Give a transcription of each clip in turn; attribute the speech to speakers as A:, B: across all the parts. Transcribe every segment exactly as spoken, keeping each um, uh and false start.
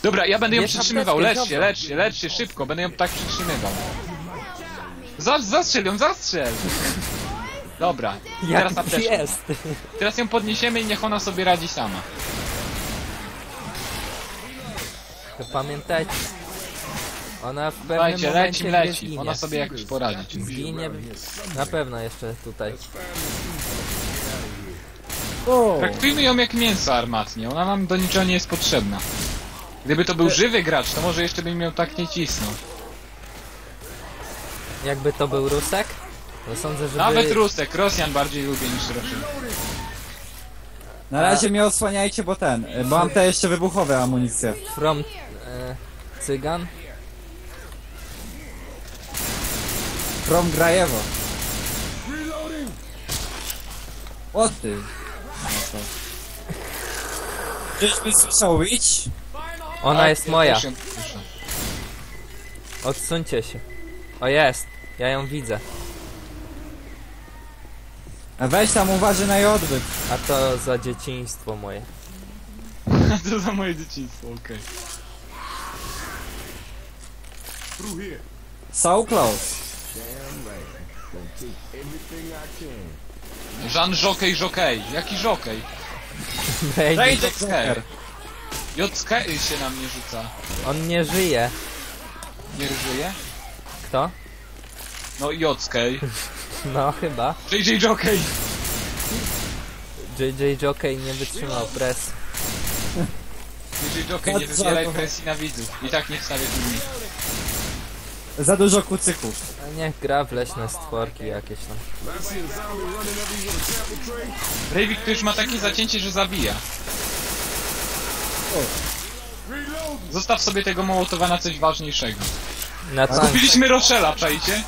A: Dobra, ja będę ją
B: Jest
A: przytrzymywał,
B: apteczkę,
A: lecz się,
B: dobra.
A: lecz się, lecz się, szybko, będę ją tak przytrzymywał. Za, zastrzel ją, zastrzel! Dobra, i teraz
B: Jak
A: apteczka.
B: jest?
A: Teraz ją podniesiemy i niech ona sobie radzi sama.
B: To pamiętajcie. Ona w pewnym
A: Słuchajcie,
B: momencie
A: leci,
B: gdzie
A: leci,
B: zginie.
A: ona sobie jakoś poradzić musi.
B: Zginie na pewno jeszcze tutaj.
C: O,
A: Traktujmy ją jak mięso armatnie, ona nam do niczego nie jest potrzebna. Gdyby to był żywy gracz, to może jeszcze bym miał tak nie cisnął.
B: Jakby to był Rusek? To sądzę, że
A: Nawet Rusek, Rosjan bardziej lubię niż Rosjan.
C: na razie mnie osłaniajcie, bo ten, y, bo mam te jeszcze wybuchowe amunicje.
B: From e, Cygan?
C: From Grajewo. O ty. No to. Czyżby słyszał Witch?
B: Ona
A: Tak,
B: jest
A: ja
B: moja.
A: też ją słyszę.
B: Odsuńcie się. O jest. Ja ją widzę.
C: A weź tam uważaj na jej odbyt.
B: A to za dzieciństwo moje.
A: To za moje dzieciństwo, okej.
C: So close.
A: Jean Żokej Żokej, jaki Żokej?
B: Baby,
C: Raid
A: Joker.
C: Joker.
A: Jockej się na mnie rzuca.
B: on nie żyje.
A: Nie żyje?
B: Kto?
A: No Jockej.
B: No chyba.
A: J J Jockey.
B: J J Jockey nie wytrzymał presji.
A: J J Jockey, nie wywieraj presji na widzów. I tak nie wstawię filmiku.
C: Za dużo kucyków.
B: A niech gra w leśne stworki jakieś tam.
A: Breivik to już ma takie zacięcie, że zabija. Zostaw sobie tego Mołotowa na coś ważniejszego.
B: Na tank.
A: Kupiliśmy Rochella, czajcie?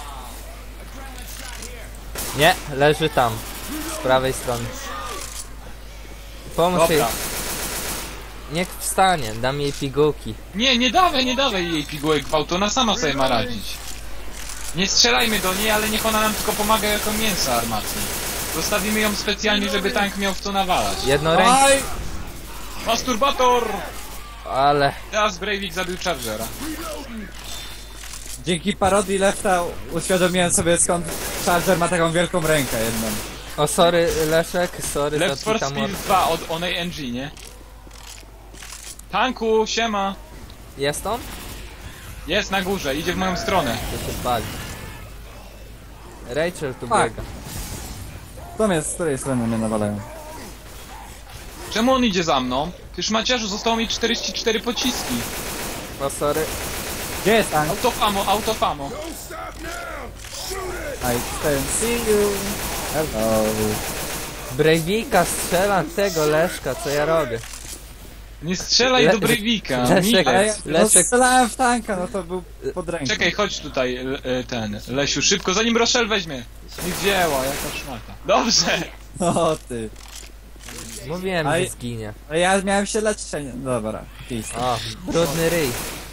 B: Nie, leży tam. Z prawej strony. Pomóż jej.
A: Dobra.
B: Niech wstanie, dam jej pigułki.
A: Nie, nie dawaj, nie dawaj jej pigułek gwałtu, ona sama sobie ma radzić. Nie strzelajmy do niej, ale niech ona nam tylko pomaga jako mięso armatnie. Zostawimy ją specjalnie, żeby tank miał w co nawalać.
B: Jedno rękę.
C: Oj!
A: Masturbator!
B: Ale
A: Teraz Breivik zabił Chargera.
C: Dzięki parodii Lefta uświadomiłem sobie, skąd Charger ma taką wielką rękę jedną.
B: o sorry Leszek, sorry
A: Left
B: za
A: for
B: Pita
A: Speed
B: Mor-
A: dwa od Onej N G, nie? Tanku, siema!
B: Jest on?
A: Jest na górze, idzie w moją stronę.
B: To się pali. Rachel tu
C: Tak.
B: biega.
C: To mnie, z której strony mnie nawalają?
A: Czemu on idzie za mną? Już Maciarzu, zostało mi czterdzieści cztery pociski.
B: O sorry.
C: Gdzie jest tank?
A: Autofamo, autofamo.
C: I can see you. Hello.
B: Breivika strzela tego Leszka, co ja robię?
A: Nie strzelaj
B: Le-
A: do Breivika,
B: Leszek-
C: Ale ja
A: Milec.
C: no,
B: Leszek-
C: strzelałem w tanka, no to był pod ręką.
A: Czekaj, chodź tutaj, l- e, ten, Lesiu, szybko, zanim Rochelle weźmie. Nie wzięła, jaka szmata. Dobrze!
C: O ty.
B: Mówiłem,
C: Aj.
B: że zginie.
C: A ja miałem się leczyć. a nie- Dobra, peace.
B: O, brudny ryj.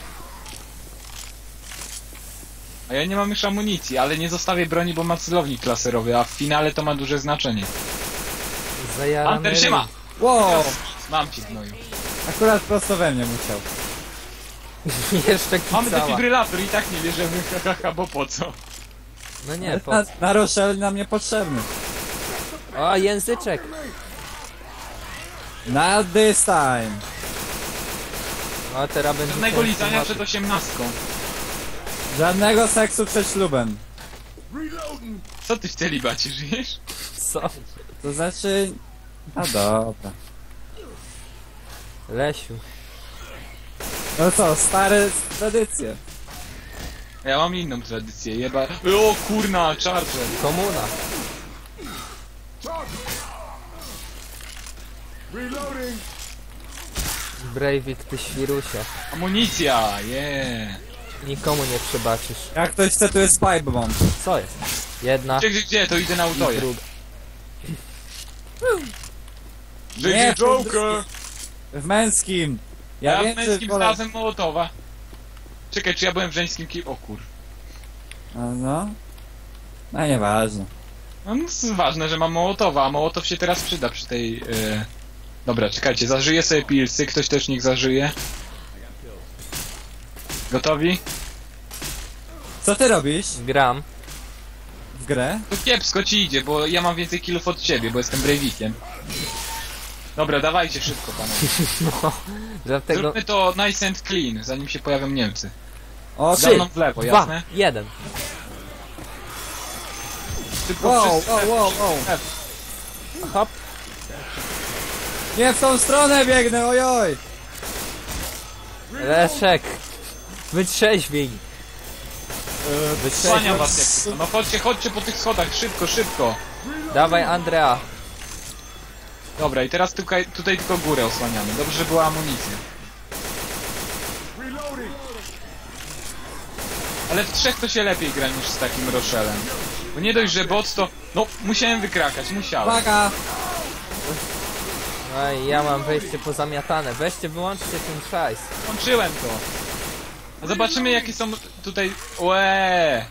A: A ja nie mam już amunicji, ale nie zostawię broni, bo ma celownik laserowy, a w finale to ma duże znaczenie.
B: Zajarany
A: Hunter,
B: ryj.
A: siema!
C: Wow!
A: Mam cię, gnoju.
C: Akurat prosto we mnie musiał.
B: Jeszcze
A: Mamy
B: kicała.
A: defibrylator i tak nie bierzemy, haha, bo po co?
B: No nie, po
C: Na, na Rochelle nam niepotrzebny.
B: O, języczek.
C: Not this time.
B: O, teraz będzie...
A: Żadnego
B: ten
A: lizania
B: temat.
A: przed osiemnastką.
C: Żadnego seksu przed ślubem.
A: Co ty w celibacie żyjesz?
B: Co?
C: To znaczy... No dobra.
B: Lesiu.
C: No co, stare tradycje.
A: Ja mam inną tradycję, jeba... O kurna, Charger!
B: Komuna. Breivik, ty świrusie.
A: Amunicja, yeah.
B: Nikomu nie przebaczysz.
C: Jak ktoś chce, tu jest pipe bomb.
B: Co jest? Jedna
A: Gdzie, gdzie, gdzie? To idę na
B: i
A: autoje.
B: druga.
A: J
C: Nie,
A: J Joker!
C: W męskim. Ja,
A: Ja w
C: wiem, czy
A: męskim
C: wolę-
A: znalazłem Mołotowa. Czekaj, czy ja byłem w żeńskim ki... O kur...
C: No, no. No nieważne.
A: No, no jest ważne, że mam Mołotowa, a Mołotow się teraz przyda przy tej... Yy... Dobra, czekajcie, zażyję sobie pilsy, ktoś też niech zażyje. Gotowi?
C: Co ty robisz
B: Gram.
C: w grę?
A: To kiepsko ci idzie, bo ja mam więcej killów od ciebie, bo jestem Breivikiem. Dobra, dawajcie szybko, panowie.
B: No, dlatego...
A: Zróbmy to nice and clean, zanim się pojawią Niemcy.
C: O,
A: Za
C: ty!
A: mną w lewo,
B: Dwa,
A: jasne?
B: jeden.
A: Tylko
C: Wow,
A: wszyscy-
C: wow, wow, wow.
B: Hop.
C: Nie w tą stronę biegnę, ojoj!
B: Leszek. Wytrzeźwiej.
A: Słaniam was jak tylko. No chodźcie, chodźcie po tych schodach, szybko, szybko.
B: Dawaj Andrea.
A: Dobra, i teraz tutaj, tutaj tylko górę osłaniamy. Dobrze, że była amunicja. Ale w trzech to się lepiej gra niż z takim Rochelem. Bo nie dość, że bot to... No, musiałem wykrakać, musiałem.
C: Uwaga!
B: No i ja mam wejście pozamiatane. Weźcie, wyłączcie ten szajs.
A: Kończyłem to. A zobaczymy jakie są tutaj... Łeee.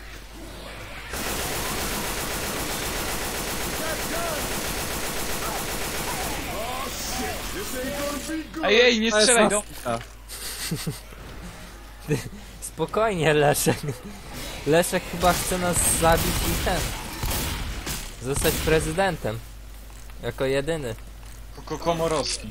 A: Ej, nie
C: To jest
A: strzelaj do...
C: masakra.
B: Spokojnie, Leszek. Leszek chyba chce nas zabić i ten. Zostać prezydentem. Jako jedyny.
A: Ko- Komorowski.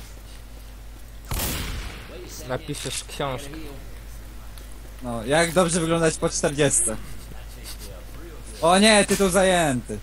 B: Napiszesz książkę.
C: No, jak dobrze wyglądać po czterdziestce. O nie, tytuł zajęty.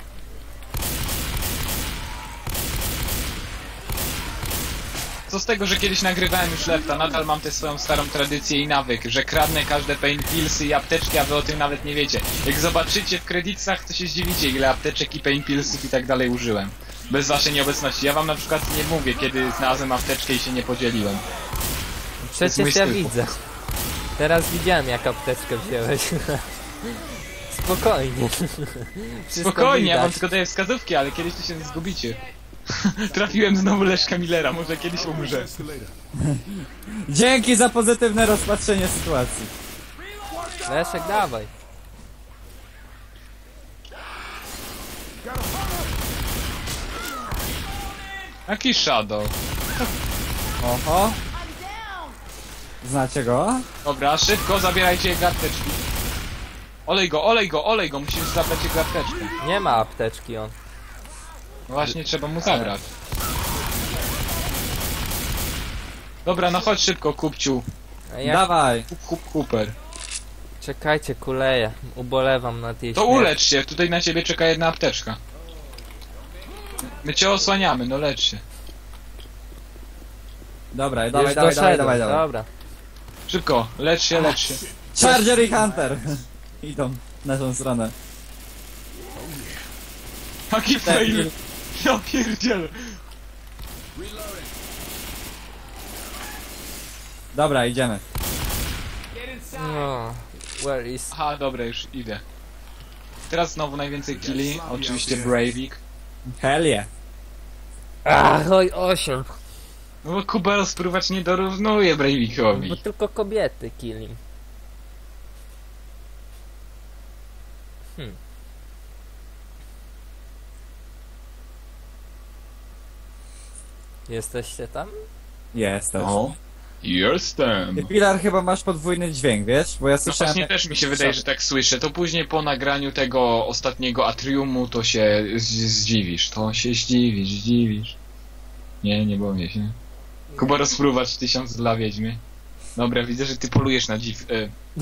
A: Co z tego, że kiedyś nagrywałem już Lefta, nadal mam tę swoją starą tradycję i nawyk, że kradnę każde pain pillsy i apteczki, a wy o tym nawet nie wiecie. Jak zobaczycie w kredytach, to się zdziwicie, ile apteczek i pain pillsów i tak dalej użyłem. Bez waszej nieobecności. Ja wam na przykład nie mówię, kiedy znalazłem apteczkę i się nie podzieliłem.
B: Przecież
A: mój
B: ja
A: styl.
B: widzę. Teraz widziałem, jak apteczkę wziąłeś. Spokojnie. Wszystko
A: Spokojnie, ja wam
B: widać.
A: tylko daję wskazówki, ale kiedyś to się zgubicie. Trafiłem znowu Leszka Millera, może kiedyś umrze.
C: Dzięki za pozytywne rozpatrzenie sytuacji.
B: Leszek, dawaj.
A: Jaki Shadow?
C: Oho. Znacie go?
A: Dobra, szybko zabierajcie jego apteczki. Olej go, olej go, olej go, musisz zabrać jego apteczkę.
B: Nie ma apteczki on.
A: Właśnie trzeba mu zabrać. Dobra, no chodź szybko, kupciu.
B: A jak...
C: Dawaj.
A: Kup, kup, kuper.
B: Czekajcie, kuleję. Ubolewam nad jej
A: To
B: śmiercią.
A: ulecz się, tutaj na ciebie czeka jedna apteczka. My cię osłaniamy, no lecz się.
C: Dobra,
B: Już
C: dawaj, dawaj, dawaj,
B: doszedłem,
C: dawaj, dawaj.
B: Dobra.
A: Szybko, lecz się, lecz się.
C: Charger i Hunter. Idą w naszą stronę.
A: Jaki fail! Ja pierdzielę.
C: Dobra, idziemy.
B: No. Where is...
A: Aha, dobra, już idę. Teraz znowu najwięcej killi, oczywiście Breivik.
C: Hell yeah.
B: Ach, oj, osiem.
A: No bo Kubel spróbować nie dorównuje Breivikowi.
B: Bo tylko kobiety killing. Hmm. Jesteście tam?
C: Jest też.
A: O, jestem.
C: Ty, Pilar, chyba masz podwójny dźwięk, wiesz? Bo ja
A: No
C: słyszałem...
A: właśnie też mi się wydaje, że tak słyszę. To później po nagraniu tego ostatniego Atriumu to się z- zdziwisz. To się zdziwisz, zdziwisz. Nie, nie boję się. Kuba rozpruwać tysiąc dla wiedźmy. Dobra, widzę, że ty polujesz na dziw... E,